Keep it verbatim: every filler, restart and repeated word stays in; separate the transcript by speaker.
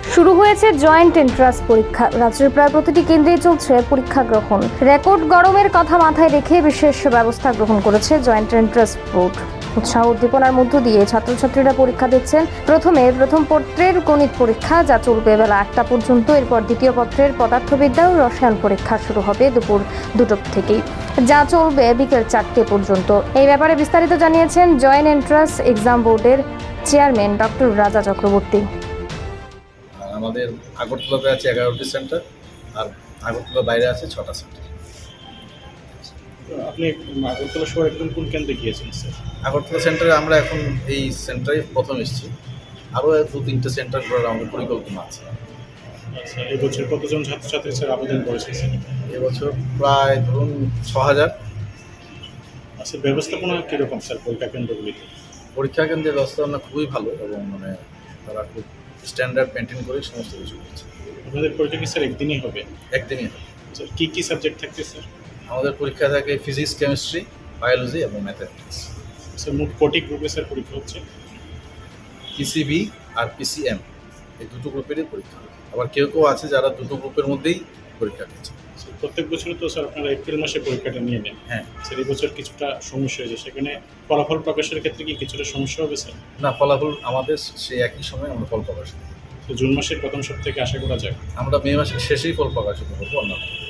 Speaker 1: শুরু হয়েছে joint entrance পরীক্ষা। রাজ্যের প্রায় প্রতিটি কেন্দ্রেই চলছে পরীক্ষা গ্রহণ। রেকর্ড গরমের কথা মাথায় রেখে বিশেষ ব্যবস্থা গ্রহণ করেছে জয়েন্ট এন্ট্রান্স বোর্ড। উৎসাহ উদ্দীপনার মধ্য দিয়ে ছাত্রছাত্রীরা পরীক্ষা দিচ্ছেন। প্রথমে প্রথম পত্রের গণিত পরীক্ষা, যা চলবে বেলা একটা পর্যন্ত। এরপর দ্বিতীয় পত্রের পদার্থবিদ্যা ও রসায়ন পরীক্ষা শুরু হবে দুপুর দুটো থেকেই, যা চলবে বিকেল চারটে পর্যন্ত। এই ব্যাপারে বিস্তারিত জানিয়েছেন জয়েন্ট এন্ট্রান্স এক্সাম বোর্ডের চেয়ারম্যান ডক্টর রাজা চক্রবর্তী।
Speaker 2: আমাদের আগরতলাতে আছে এগারোটি সেন্টার, আর আগরতলা বাইরে আছে ছটা সেন্টার।
Speaker 3: আপনি আগরতলা শহর একদম কোন কেন্দ্রে গিয়েছেন স্যার?
Speaker 2: আগরতলা সেন্টারে আমরা এখন এই সেন্টারে প্রথম এসেছি, আরও দু তিনটে সেন্টার করার আমাদের পরিকল্পনা আছে।
Speaker 3: আচ্ছা, এবছর কতজন ছাত্রছাত্রী স্যার আবেদন করেছে স্যার?
Speaker 2: এবছর প্রায় ধরুন ছ হাজার।
Speaker 3: আচ্ছা, ব্যবস্থাপনা কীরকম স্যার পরীক্ষা কেন্দ্রগুলিতে?
Speaker 2: পরীক্ষা কেন্দ্রের ব্যবস্থাপনা খুবই ভালো এবং মানে তারা খুব স্ট্যান্ডার্ড মেনটেন করে সমস্ত কিছু করছে।
Speaker 3: আপনাদের পরীক্ষা কি স্যার একদিনই হবে?
Speaker 2: একদিনই হবে।
Speaker 3: স্যার কী কী সাবজেক্ট থাকবে স্যার?
Speaker 2: আমাদের পরীক্ষা থাকে ফিজিক্স, কেমিস্ট্রি, বায়োলজি এবং ম্যাথামেটিক্স।
Speaker 3: স্যার মোট কটি গ্রুপে স্যার পরীক্ষা হচ্ছে?
Speaker 2: পিসিবি আর পিসিএম এই দুটো গ্রুপেরই পরীক্ষা হবে। আবার কেউ কেউ আছে যারা দুটো গ্রুপের মধ্যেই পরীক্ষা দিচ্ছে।
Speaker 3: স্যার প্রত্যেক বছরই তো স্যার আপনারা এপ্রিল মাসে পরীক্ষাটা নিয়ে নেন।
Speaker 2: হ্যাঁ
Speaker 3: স্যার এই বছর কিছুটা সমস্যা হয়েছে, সেখানে ফলাফল প্রকাশের ক্ষেত্রে কি কিছুটা সমস্যা হবে স্যার?
Speaker 2: না, ফলাফল আমাদের সেই একই সময় আমরা ফল প্রকাশ করি।
Speaker 3: তো জুন মাসের প্রথম সপ্তাহে আশা করা যায়?
Speaker 2: আমরা মে মাসের শেষেই ফল প্রকাশিত করবো অন্য